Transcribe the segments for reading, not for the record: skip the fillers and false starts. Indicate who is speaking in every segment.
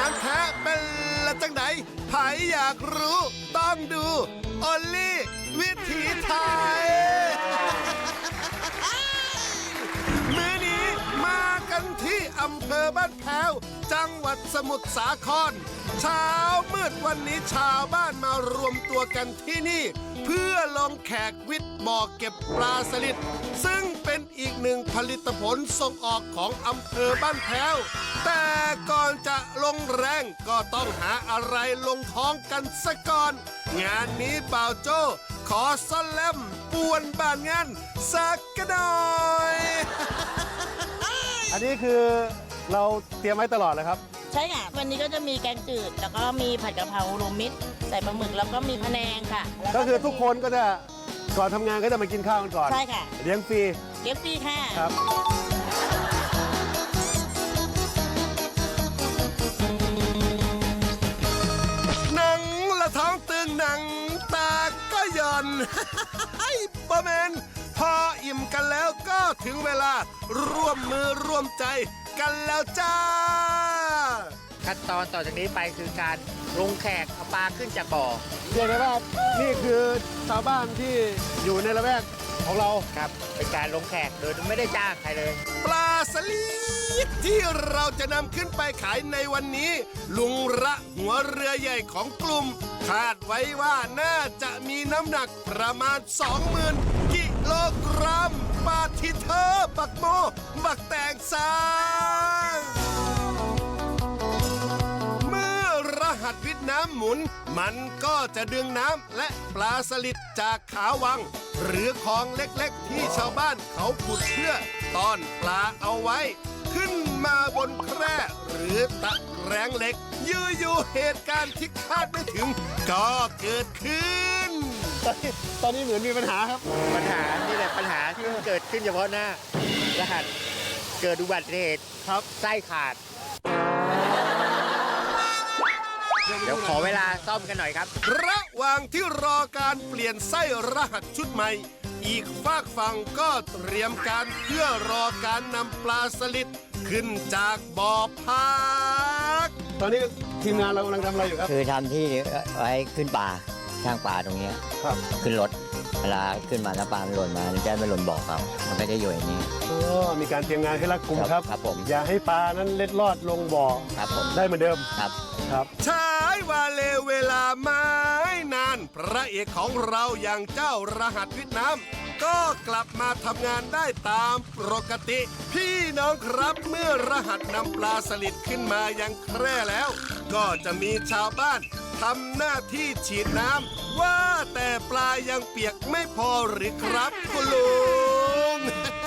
Speaker 1: างแท้เป็นละจังไหนใครอยากรู้ต้องดูโอลี่วิถีไทย มื้อนี้มากันที่อำเภอบ้านแพ้วจังหวัดสมุทรสาครเช้ามืดวันนี้ชาวบ้านมารวมตัวกันที่นี่ เพื่อลงแขกวิทย์บ่อเก็บปลาสลิดซึ่งเป็นอีกหนึ่งผลิตผลส่งออกของอำเภอบ้านแพ้วแต่ก่อนจะลงแรงก็ต้องหาอะไรลงท้องกันซะก่อนงานนี้บ่าวโจ้ขอซ่อนแลมป่วนบ้านงานสักกะหน่อย
Speaker 2: อันนี้คือเราเตรียมไว้ตลอดเลยครับ
Speaker 3: ใช่ค่ะ วันนี้ก็จะมีแกงจืด แล้วก็มีผัดกะเพรารวมมิตรใส่ปลาหมึกแล้วก็มีพะแนงค่ะแล้ว
Speaker 2: ก็คือทุกคนก็จะก่อนทำงานก็จะมากินข้าวกันก่อน
Speaker 3: ใช่ค่ะ
Speaker 2: เลี้ยงฟรี
Speaker 3: เลี้ยงฟรีค่ะ
Speaker 2: ครับ
Speaker 1: หนังละท้องตึงหนังตาก็หย่อน บะแมนพออิ่มกันแล้วก็ถึงเวลาร่วมมือร่วมใจกันแล้วจ้า
Speaker 4: ขั้นตอนต่อจากนี้ไปคือการลงแขกเอาปลาขึ้นจากบ่อ
Speaker 2: เรียกได้ว่านี่คือชาวบ้านที่อยู่ในละแวกของเรา
Speaker 4: ครับเป็นการลงแขกโดยไม่ได้จ้างใครเลย
Speaker 1: ปลาสลิดที่เราจะนำขึ้นไปขายในวันนี้ ลุงระหัวเรือใหญ่ของกลุ่ม คาดไว้ว่าน่าจะมีน้ำหนักประมาณ 20,000 กิโลกรัมปาทิเธอบักโม บักแตงซางเมื่อรหัสวิทย์น้ำหมุน มันก็จะดึงน้ำและปลาสลิดจากขาวัง หรือของเล็กๆที่ชาวบ้านเขาขุดเพื่อต้อนปลาเอาไว้ ขึ้นมาบนแคร่หรือตะแกรงเหล็ก อยู่ๆเหตุการณ์ที่คาดไม่ถึง ก็เกิดขึ้น
Speaker 2: ตอนนี้เหมือนมีปัญหาครับ
Speaker 4: ปัญหานี่แหละปัญหาที่เกิดขึ้นเฉพาะหน้ารหัสเกิดอุบัติเหตุครับไส้ขาด เดี๋ยวขอเวลาซ่อมกันหน่อยครับ
Speaker 1: ระหว่างที่รอการเปลี่ยนไส้รหัสชุดใหม่ อีกฝากฝั่งก็เตรียมการเพื่อรอการนำปลาสลิดขึ้นจากบ่อพัก
Speaker 2: ตอนนี้ทีมงานเรากำลังทำอะไรอยู่ครับ
Speaker 5: คือทำที่ไว้ขึ้นป่าข้างป่าตรงเนี้ย
Speaker 2: ครับ
Speaker 5: ขึ้นรถเวลาขึ้นมาแล้วปลามันหล่นมามันจะไม่หล่นบ่อเขามันก็จะอยู่อย่างนี้
Speaker 2: มีการเตรียมงานให้รัดกุมครับ
Speaker 5: ครับผม
Speaker 2: อย่าให้ปลานั้นเล็ดลอดลงบ่อ
Speaker 5: ครับผม
Speaker 2: ได้เหมือนเดิม
Speaker 5: ครับ
Speaker 2: ครับ
Speaker 1: ใช้วาเลเวลาไม่นาน พระเอกของเราอย่างเจ้ารหัสวิทย์น้ำก็กลับมาทำงานได้ตามปกติ พี่น้องครับเมื่อรหัสนำปลาสลิดขึ้นมายังแคร่แล้ว ก็จะมีชาวบ้านทำหน้าที่ฉีดน้ำว่าแต่ปลายังเปียกไม่พอหรือครับคุณลุง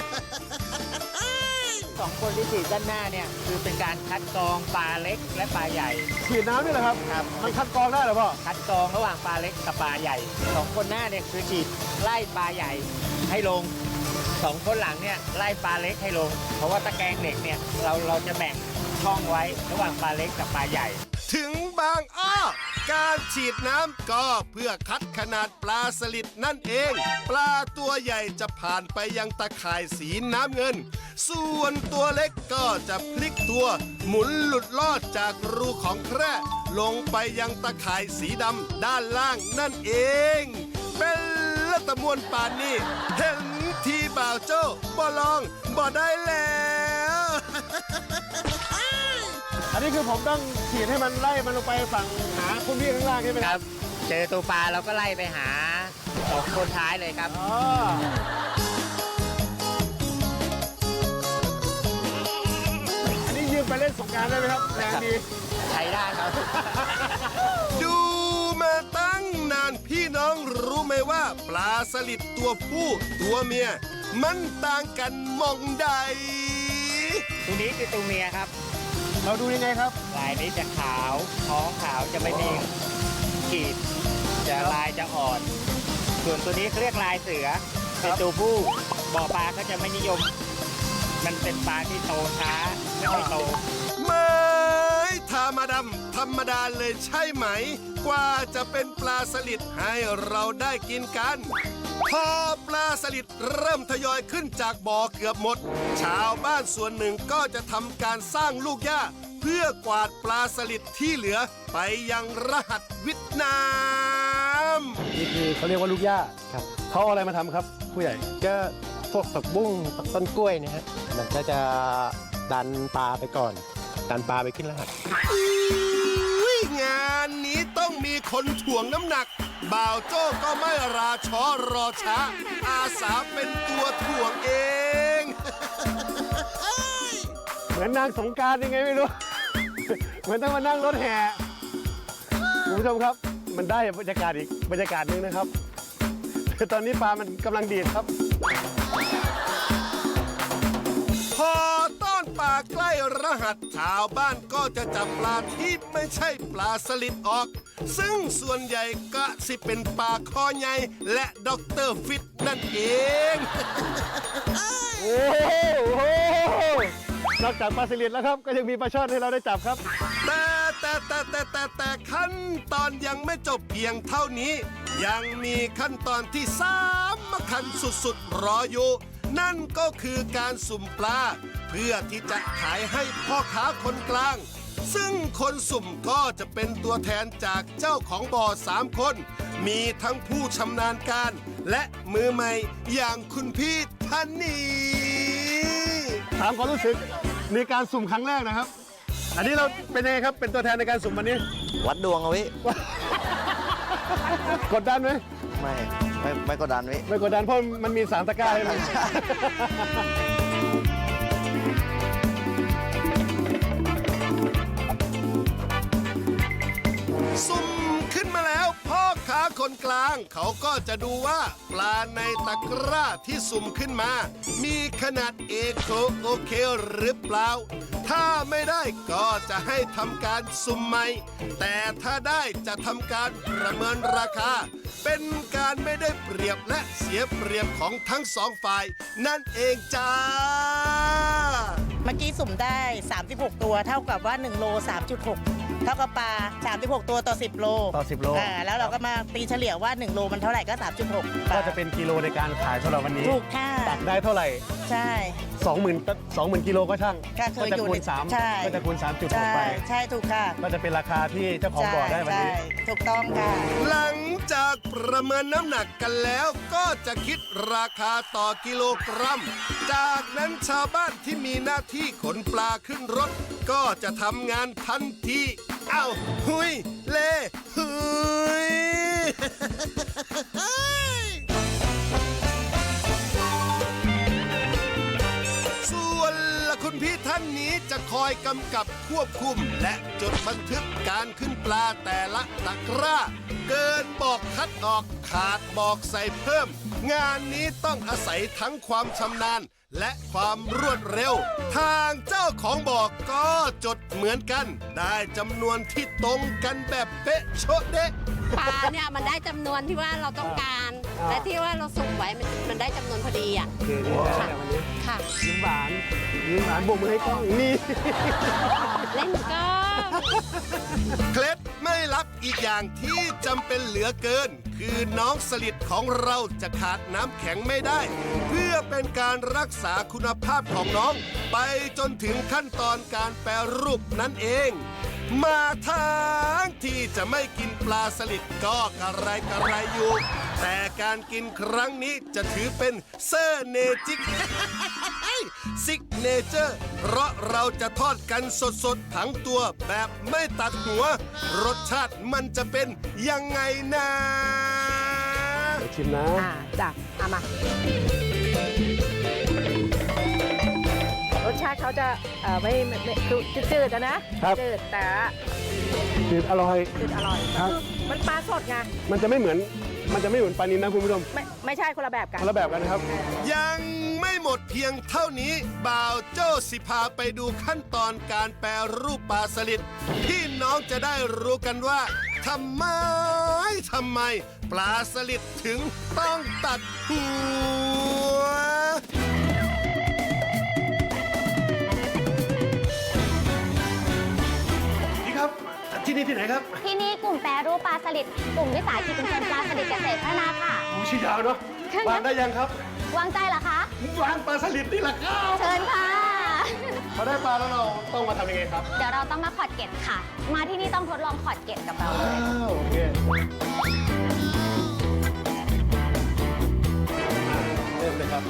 Speaker 4: สองคนที่ฉีดด้านหน้าเนี่ยคือเป็นการคัดกรองปลาเล็กและปลาใหญ่
Speaker 2: ฉีดน้ำนี่แหละครับ
Speaker 4: ครับ
Speaker 2: มันคัดกรองได้เหรอพ่อ
Speaker 4: คัดกรองระหว่างปลาเล็กกับปลาใหญ่สองคนหน้าเนี่ยคือฉีดไล่ปลาใหญ่ให้ลงสองคนหลังเนี่ยไล่ปลาเล็กให้ลง เพราะว่าตะแกรงเหล็กเนี่ยเราจะแบ่งช่องไว้ระหว่างปลาเล็กกับปลาใหญ่
Speaker 1: ถึงบางอ้อการฉีดน้ำก็เพื่อคัดขนาดปลาสลิดนั่นเอง ปลาตัวใหญ่จะผ่านไปยังตะข่ายสีน้ำเงิน ส่วนตัวเล็กก็จะพลิกตัว หมุนหลุดลอดจากรูของแคร่ลงไปยังตะข่ายสีดำด้านล่างนั่นเอง เป็นละตะมวนป่านนี้เห็นทีบ่าวโจ้บ่ลองบ่ได้แล้ว
Speaker 2: อันนี้คือผมต้องฉีดให้มันไล่มันลงไปฝั่งหาคุณพี่ข้างล่างใช่ไหม
Speaker 4: ค
Speaker 2: ค
Speaker 4: รั
Speaker 2: รับ
Speaker 4: บ เจอตัวปลาเราก็ไล่ไปหาสองคนท้ายเลยครับ
Speaker 2: อ๋อ อันนี้ยืมไปเล่นสงกรานต์ได้ไหมครับแรงดี
Speaker 4: ใช้ได้ครับ
Speaker 1: ดูมาตั้งนานพี่น้องรู้ไหมว่าปลาสลิดตัวผู้ตัวเมีย มันต่างกันมองใด
Speaker 4: ตัวนี้คือตัวเมียครับ
Speaker 2: เราดูยังไงครับ
Speaker 4: ลายนี้จะขาวท้องขาวจะไม่มีขีดจะลายจะอ่อน ส่วนตัวนี้เขาเรียกลายเสือเป็นตัวผู้บ่อปลาก็จะไม่นิยม มันเป็นปลาที่โตช้าไม่ค่อยโต
Speaker 1: ไม่ธรรมธรรมดาเลยใช่ไหม กว่าจะเป็นปลาสลิดให้เราได้กินกัน พอปลาสลิดเริ่มทยอยขึ้นจากบ่อเกือบหมด ชาวบ้านส่วนหนึ่งก็จะทำการสร้างลูกหญ้าเพื่อกวาดปลาสลิดที่เหลือไปยังรหัสวิทนาม
Speaker 2: นี่คือเขาเรียกว่าลูกหญ้าครับเขาเอาอะไรมาทำครับ ผู้ใหญ่
Speaker 6: ก็พวกผักบุ้งผักต้นกล้วยเนี่ยฮะมันก็จะดันปลาไปก่อน ดันปลาไปขึ้นรหัส
Speaker 1: อุ๊ยงานนี้ต้องมีคนถ่วงน้ำหนัก บ่าวโจ้ก็ไม่ราช้อรอช้า อาสาเป็นตัวถ่วงเอง
Speaker 2: เหมือนนางสงกรารยังไงไม่รู้ เหมือนต้องมานั่งรถแห่คุณผู้ชมครับ มันได้บรรยากาศอีกบรรยากาศหนึงนะครับ ตอนนี้ปลามันกำลังดีดครับ
Speaker 1: พอต้อนปลาใกล้รหัสชาวบ้านก็จะจับปลาที่ไม่ใช่ปลาสลิดออก ซึ่งส่วนใหญ่ก็สิเป็นปลาคอใหญ่และด็อกเตอร์ฟิตนั่นเอง
Speaker 2: โอ้โหนอกจากปลาสลิดแล้วครับ ก็ยังมีปลาช่อนให้เราได้จับครับ
Speaker 1: แต่ขั้นตอนยังไม่จบเพียงเท่านี้ ยังมีขั้นตอนที่สำคัญสุดๆรออยู่ นั่นก็คือการสุ่มปลา เพื่อที่จะขายให้พ่อค้าคนกลาง ซึ่งคนสุ่มก็จะเป็นตัวแทนจากเจ้าของบ่อ3 คน มีทั้งผู้ชำนาญการ และมือใหม่อย่างคุณพี่ท่านนี้
Speaker 2: ถามความรู้สึกในการสุ่มครั้งแรกนะครับ อันนี้เราเป็นยังไงครับ เป็นตัวแทนในการสุ่มวันนี้
Speaker 5: วัดดวงเอาไว้
Speaker 2: กดดันไหม
Speaker 5: ไม่กดดันไว้
Speaker 2: ไม่กดดันเพราะมันมี3 ตะกร้าให้มัน
Speaker 1: สุ่มขึ้นมาแล้วพ่อค้าคนกลาง เขาก็จะดูว่าปลาในตะกร้าที่สุ่มขึ้นมา มีขนาดเอโคโอเคหรือเปล่า ถ้าไม่ได้ก็จะให้ทำการสุ่มใหม่ แต่ถ้าได้จะทำการประเมินราคา เป็นการไม่ได้เปรียบและเสียเปรียบของทั้ง2 ฝ่าย นั่นเองจ้า
Speaker 3: เมื่อกี้สุ่มได้ 36 ตัว เท่ากับว่า 1 โล 3.6 เท่ากับปลา 36 ตัวต่อ 10 โล
Speaker 2: ต่อ10 โล
Speaker 3: แล้วเราก็มาตีเฉลี่ยว่า 1 โลมันเท่าไหร่ก็ 3.6
Speaker 2: ก็จะเป็นกิโลในการขายสำหรับวันนี้
Speaker 3: ถูกค่ะ
Speaker 2: ตักได้เท่าไหร่
Speaker 3: ใช่
Speaker 2: 20,000 กิโลก็ช่าง
Speaker 3: ก็เค
Speaker 2: ก็
Speaker 3: ย
Speaker 2: จะ
Speaker 3: อยู่
Speaker 2: คูณ
Speaker 3: ใช่
Speaker 2: 3ก็จะคูณ
Speaker 3: ใช่
Speaker 2: 3.6 ไป
Speaker 3: ใช่ถูกค่ะ
Speaker 2: ก็จะเป็นราคาที่เจ้าของบ่อได้วันนี้
Speaker 3: ใช่ถูกต้องค่ะ
Speaker 1: หลังจากประเมินน้ำหนักกันแล้วก็จะคิดราคาต่อกิโลกรัม จากนั้นชาวบ้านที่มีหน้าที่ขนปลาขึ้นรถ ก็จะทำงานทันทีเอ้าหุยเล่หุย ส่วนละคุณพี่ท่านนี้จะคอยกำกับควบคุม และจดบันทึกการขึ้นปลาแต่ละตะกร้า เกินบอกคัดออกขาดบอกใส่เพิ่ม งานนี้ต้องอาศัยทั้งความชำนาญและความรวดเร็ว ทางเจ้าของบ่อก็จดเหมือนกัน ได้จำนวนที่ตรงกันแบบเป๊ะโชะเดะ
Speaker 7: ปลาเนี่ยมันได้จำนวนที่ว่าเราต้องการ และที่ว่าเราสุ่มไว้มันได้จำนวนพอดีอ่ะ
Speaker 2: โอเคนี่ได้แล้ววันนี้
Speaker 7: ค่ะ
Speaker 2: ยิ้มหวานโบกมือให้กล้องนี่
Speaker 7: เล่นก็
Speaker 1: เคล็ดไม่ลับอีกอย่างที่จำเป็นเหลือเกิน คือน้องสลิดของเราจะขาดน้ำแข็งไม่ได้ เพื่อเป็นการรักษาคุณภาพของน้อง ไปจนถึงขั้นตอนการแปรรูปนั่นเอง มาทางที่จะไม่กินปลาสลิดก็กระไรอยู่ แต่การกินครั้งนี้จะถือเป็นเซอร์เนจิก ซิกเนเจอร์ เพราะเราจะทอดกันสดๆทั้งตัวแบบไม่ตัดหัว รสชาติมันจะเป็นยังไงนะ
Speaker 2: เดี๋ยวชิมนะ
Speaker 8: จ้ะเอามา รสชาติเขาจะไม่จืดๆนะครับ จืดแต่
Speaker 2: คืออร่อย
Speaker 8: จืดอร่อย
Speaker 2: ครับ
Speaker 8: มันปลาสดไง
Speaker 2: มันจะไม่เหมือนปลานิลนะคุณผู้ชม
Speaker 8: ไม่ใช่คนละแบบกัน
Speaker 2: คนละแบบกันนะครับ
Speaker 1: ยังไม่หมดเพียงเท่านี้ บ่าวโจ้สิพาไปดูขั้นตอนการแปรรูปปลาสลิดพี่น้องจะได้รู้กันว่าทำไม ปลาสลิดถึงต้องตัดหัว
Speaker 2: นี่ครับ ที่นี่ที่ไหนครับ
Speaker 9: ที่นี่กลุ่มแปรรูปปลาสลิดกลุ่มวิสาหกิจชุมชนปลาสลิดเกษตรพัฒนาค่ะ
Speaker 2: โอ้ชื่อยาวเนาะวางได้ยังครับ
Speaker 9: วางใจเหรอคะ
Speaker 2: วางปลาสลิดนี่แหละครับ
Speaker 9: เชิญค่ะ
Speaker 2: พอได้ปลาแล้วเราต้องมาทำยังไงครับ
Speaker 9: เดี๋ยวเราต้องมาขอดเกล็ดค่ะ มาที่นี่ต้องทดลองขอดเกล็ดกับเราเลย
Speaker 2: โอเคเริ่มเลยครับ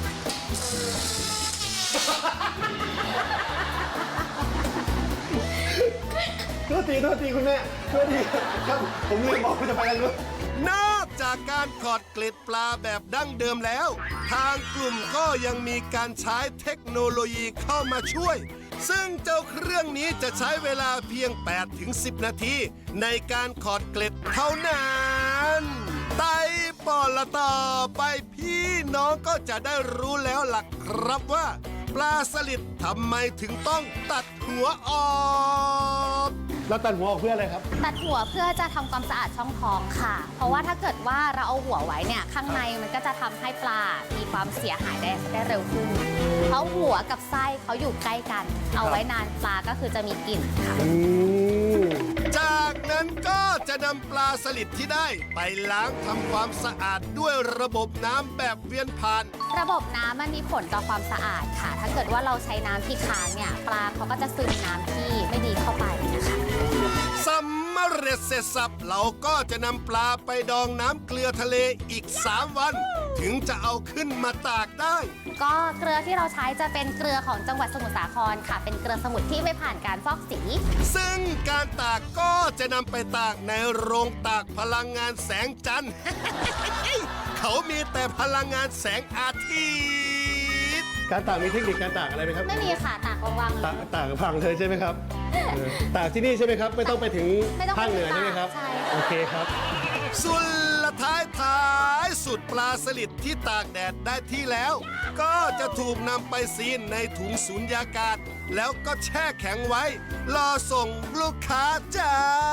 Speaker 2: โทษทีคุณแม่โทษทีครับ ผมลืมบอกว่าจะไปทางนู้น
Speaker 1: นอกจากการขอดเกล็ดปลาแบบดั้งเดิมแล้ว ทางกลุ่มก็ยังมีการใช้เทคโนโลยีเข้ามาช่วย ซึ่งเจ้าเครื่องนี้จะใช้เวลาเพียง 8-10 นาที ในการขอดเกล็ดเท่านั้นไต่ปอละต่อไปพี่น้องก็จะได้รู้แล้วล่ะครับว่า ปลาสลิดทำไมถึงต้องตัดหัวออก
Speaker 2: แล้วตัดหัวออกเพื่ออะไรครับ
Speaker 9: ตัดหัวเพื่อจะทำความสะอาดช่องท้องค่ะ เพราะว่าถ้าเกิดว่าเราเอาหัวไว้เนี่ยข้างในมันก็จะทำให้ปลา มีความเสียหายได้เร็วขึ้น เพราะหัวกับไส้เขาอยู่ใกล้กัน เอาไว้นานปลาก็คือจะมีกลิ่นค่ะ
Speaker 1: จากนั้นก็จะนำปลาสลิดที่ได้ไปล้างทำความสะอาดด้วยระบบน้ำแบบเวียนผ่าน
Speaker 9: ระบบน้ำมันมีผลต่อความสะอาดค่ะ ถ้าเกิดว่าเราใช้น้ำที่ค้างเนี่ยปลาเขาก็จะซึมน้ำที่ไม่ดีเข้าไปนะคะ
Speaker 1: สำเร็จเสร็จสับเราก็จะนำปลาไปดองน้ำเกลือทะเลอีก 3 วัน ถึงจะเอาขึ้นมาตากได้
Speaker 9: ก็เกลือที่เราใช้จะเป็นเกลือของจังหวัดสมุทรสาครค่ะ เป็นเกลือสมุทรที่ไม่ผ่านการฟอกสี
Speaker 1: ซึ่งการตากก็จะนำไปตากในโรงตากพลังงานแสงจันทร์ เขามีแต่พลังงานแสงอาทิตย์
Speaker 2: การตากมีเทคนิคการตากอะไรไหมครับ
Speaker 9: ไม่มีค่ะตากวางๆเลย
Speaker 2: ตากพังเลยใช่ไหมครับตากที่นี่ใช่ไหมครับ ไม่ต้องไปถึง
Speaker 9: ไม่ต้องไป
Speaker 2: ภาคเหนือ
Speaker 9: ถึง
Speaker 2: ใช่ไหมครับ
Speaker 9: ใช่
Speaker 2: โอเคครับ
Speaker 1: ส่วนละท้ายสุดปลาสลิดที่ตากแดดได้ที่แล้ว ก็จะถูกนำไปซีนในถุงสูญญากาศ แล้วก็แช่แข็งไว้ รอส่งลูกค้าจ้า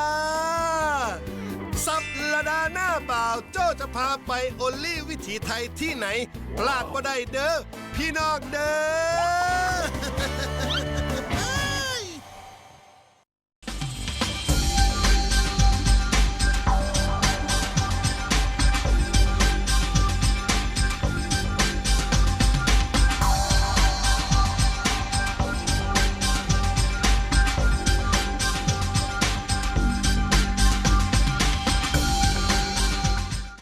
Speaker 1: สัปดาห์หน้าบ่าวโจ้จะพาไปโอลี่วิถีไทยที่ไหน พลาดบ่ได้เด้อพี่น้องเด้อ